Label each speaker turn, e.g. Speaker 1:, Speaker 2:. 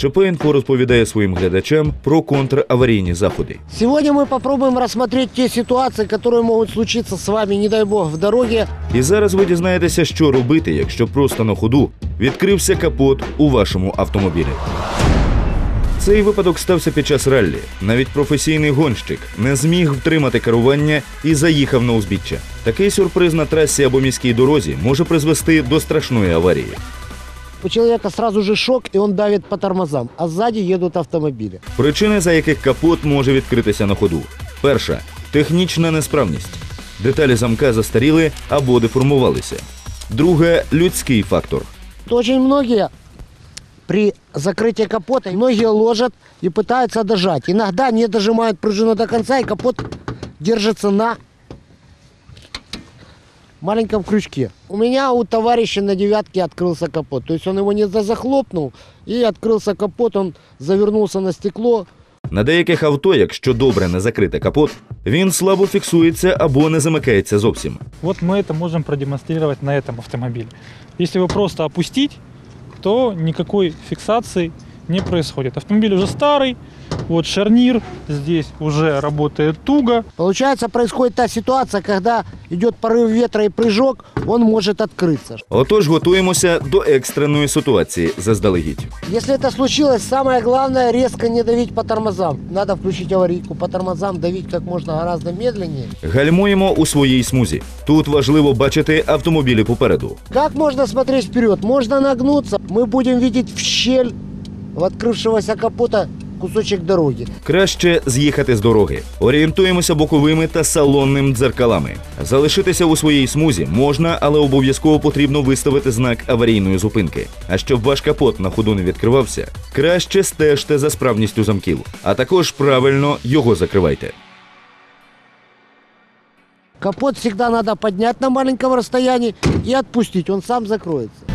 Speaker 1: ЧП-Інфо розповідає своїм глядачам про контраварійні заходи.
Speaker 2: Сегодня мы попробуем рассмотреть те ситуации, которые могут случиться с вами, не дай бог, в дороге.
Speaker 1: І зараз ви дізнаєтеся, що робити, якщо просто на ходу відкрився капот у вашому автомобілі. Цей випадок стався під час раллі. Навіть професійний гонщик не зміг втримати керування і заїхав на узбіччя. Такий сюрприз на трасі або міській дорозі може призвести до страшної аварії.
Speaker 2: У человека сразу же шок, и он давит по тормозам, а сзади едут автомобили.
Speaker 1: Причини, за яких капот може відкритися на ходу. Перша – технічна несправність. Деталі замка застаріли або деформувалися. Друге – людський фактор.
Speaker 2: Очень многие при закрытии капота, многие ложат и пытаются дожать. Иногда не дожимают пружину до конца, и капот держится на маленьком крючке. У меня у товарища на девятке открылся капот. То есть он его не захлопнул, и открылся капот, он завернулся на стекло.
Speaker 1: На деяких авто, якщо добре не закрити капот, він слабо фіксується або не замикається зовсім.
Speaker 3: Вот мы это можем продемонстрировать на этом автомобиле. Если его просто опустить, то никакой фиксации не происходит. Автомобиль уже старый, вот шарнир здесь уже работает туго.
Speaker 2: Получается, происходит та ситуация, когда идет порыв ветра и прыжок, он может открыться.
Speaker 1: Отож, готуємося до екстреної ситуації заздалегідь.
Speaker 2: Если это случилось, самое главное резко не давить по тормозам. Надо включить аварийку, по тормозам давить как можно гораздо медленнее.
Speaker 1: Гальмуємо у своїй смузі. Тут важливо бачити автомобілі попереду.
Speaker 2: Как можно смотреть вперед? Можно нагнуться. Мы будем видеть в щель в открывшегося капота кусочек дороги.
Speaker 1: Краще з'їхати з дороги. Орієнтуємося боковими та салонним дзеркалами. Залишитися у своїй смузі можна, але обов'язково потрібно виставити знак аварійної зупинки. А щоб ваш капот на ходу не відкривався, краще стежте за справністю замків, а також правильно його закривайте.
Speaker 2: Капот всегда надо поднять на маленьком расстоянии и отпустить, он сам закроется.